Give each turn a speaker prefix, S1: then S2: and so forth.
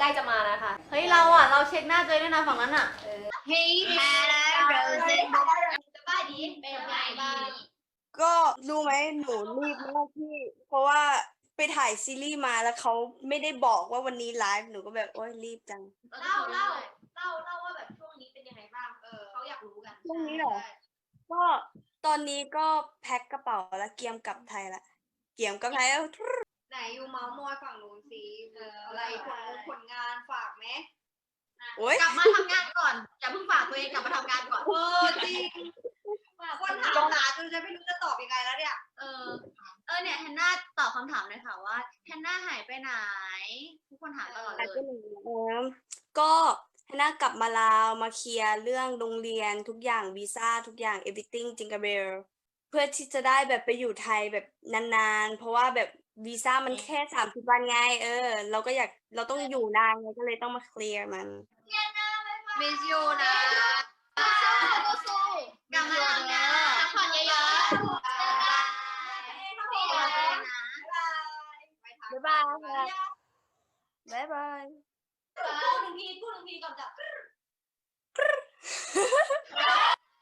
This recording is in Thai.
S1: ล้จะมานะคะ
S2: เฮ้ยเราเช็คหน้าตัวเองด้วยนะฝั่งนั้นอ่ะ
S3: Hey Hannah Rosen
S1: สบายดีเป็นยังไงบ้าง
S4: ก็รู้ไหมหนูรีบมากพี่เพราะว่าไปถ่ายซีรีส์มาแล้วเขาไม่ได้บอกว่าวันนี้ไลฟ์หนูก็แบบโอ๊ยรีบจัง
S1: เล่าว่าแบบช่วงนี้เป็นยังไงบ้างเขาอยากรู้กัน
S4: ช่วงนี้เหรอ ก็ตอนนี้ก็แพ็คกระเป๋าแล้วเกียมกลับไทยละเกียมกลับไทยแล้ว
S3: ไหนอยู่เมาส์มอยฝั่งนู้นสิอะไรผลงานฝากไหม
S4: โอ๊ย
S1: กลับมาทำงานก่อนอย่าเพิ่งฝากตัวเองกลับมาทำงานก่อน
S3: จริงคนถามหาจนจะไม่รู้จะตอบยังไงแล้วเนี่ย
S2: เนี่ยแฮนนาตอบคำถามเลยค่ะว่าแฮนนาหายไปไหน ทุกคนถามตลอดเลย
S4: ก็ฮน่ากลับมาลาวมาเคลียร์เรื่องโรงเรียนทุกอย่างวีซ่าทุกอย่าง everything จิงกาเบลเพื่อที่จะได้แบบไปอยู่ไทยแบบนานๆเพราะว่าแบบวีซ่ามันแค่30 วันไงเราต้องอยู่นานไงก็เลยต้องมาเคลียร์มัน
S3: มิสยูนะ
S1: กลับมาทำงานพักผ่อนเยอะๆ
S4: บ๊ายบายค่ะบ๊ายบาย
S1: พูดหนึ่งทีก่อนจ้ะ